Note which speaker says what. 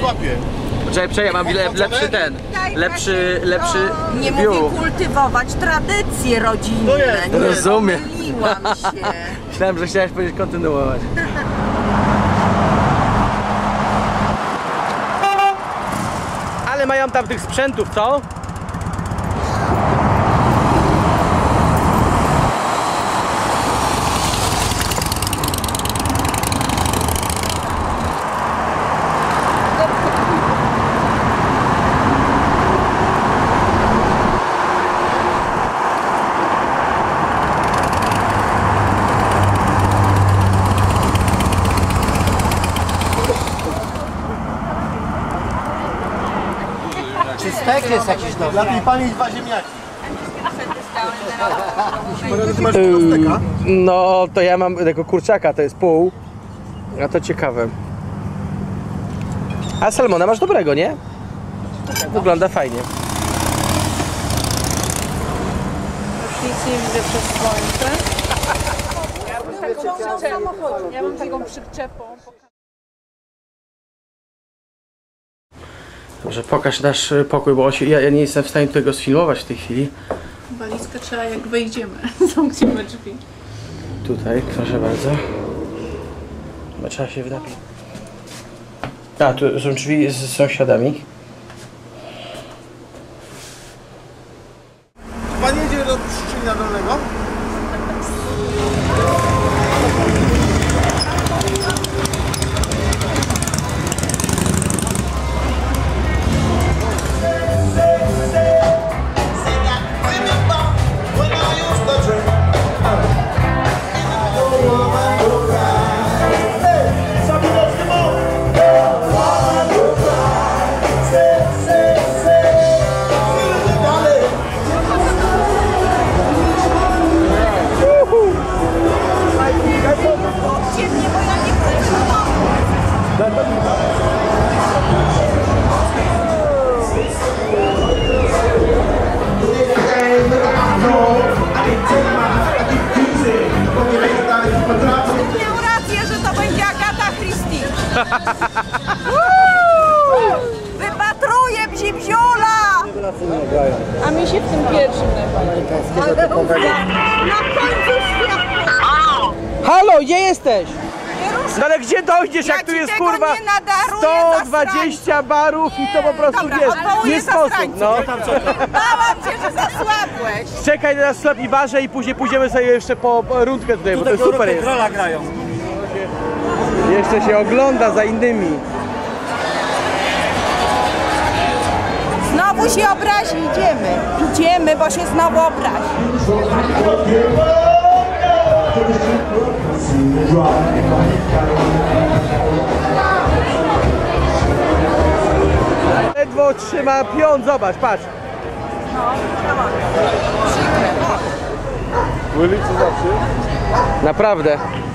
Speaker 1: złapie.
Speaker 2: Czekaj, ja mam lepszy ten. Lepszy
Speaker 3: Nie
Speaker 2: view.
Speaker 3: mówię kultywować tradycje rodzinne.
Speaker 1: To jest,
Speaker 3: Nie
Speaker 2: rozumiem.
Speaker 3: pomyliłam się.
Speaker 2: Myślałem, że chciałeś powiedzieć kontynuować. Ale mają tam tych sprzętów, co?
Speaker 4: Czy stek jest jakiś dobry?
Speaker 1: Lepiej pani 2 ziemniaki. Ty masz steka?
Speaker 2: No, to ja mam tego kurczaka, to jest pół. A to ciekawe. A salmona masz dobrego, nie? Wygląda fajnie.
Speaker 5: Nic nie widzę przez słońce. Ja mam taką przyczepą.
Speaker 2: Dobrze, pokaż nasz pokój, bo ja nie jestem w stanie tego sfilmować w tej chwili.
Speaker 5: Walizkę trzeba jak wejdziemy. Zamkniemy drzwi.
Speaker 2: Tutaj, proszę bardzo. Chyba trzeba się wdapić. A, tu są drzwi z sąsiadami.
Speaker 1: Pan jedzie do Pszczyna Dolnego?
Speaker 3: Miał rację, że to będzie Agata Christie. Wypatruję bzibziula!
Speaker 5: A mi się w tym pierwszym najbardziej.
Speaker 3: Na końcu świata!
Speaker 2: Halo, gdzie jesteś?
Speaker 3: Nie ruszaj.
Speaker 2: No ale gdzie dojdziesz,
Speaker 3: Ja
Speaker 2: jak tu
Speaker 3: ci
Speaker 2: jest
Speaker 3: tego
Speaker 2: kurwa
Speaker 3: nie nadaruję,
Speaker 2: 120 barów i to po prostu
Speaker 3: Dobra,
Speaker 2: wiesz,
Speaker 3: odwołuję
Speaker 2: nie sposób,
Speaker 3: zasrańców.
Speaker 2: no.
Speaker 3: Bałam cię, że zasłabłeś.
Speaker 2: Czekaj na sklep i barze i później pójdziemy sobie jeszcze po rundkę tutaj, bo to super jest.
Speaker 4: Rola grają.
Speaker 2: Jeszcze się ogląda za innymi.
Speaker 3: Znowu się obrazi, idziemy. Idziemy, bo się znowu obrazi.
Speaker 2: Ledwo trzyma pion, zobacz, patrz. Naprawdę.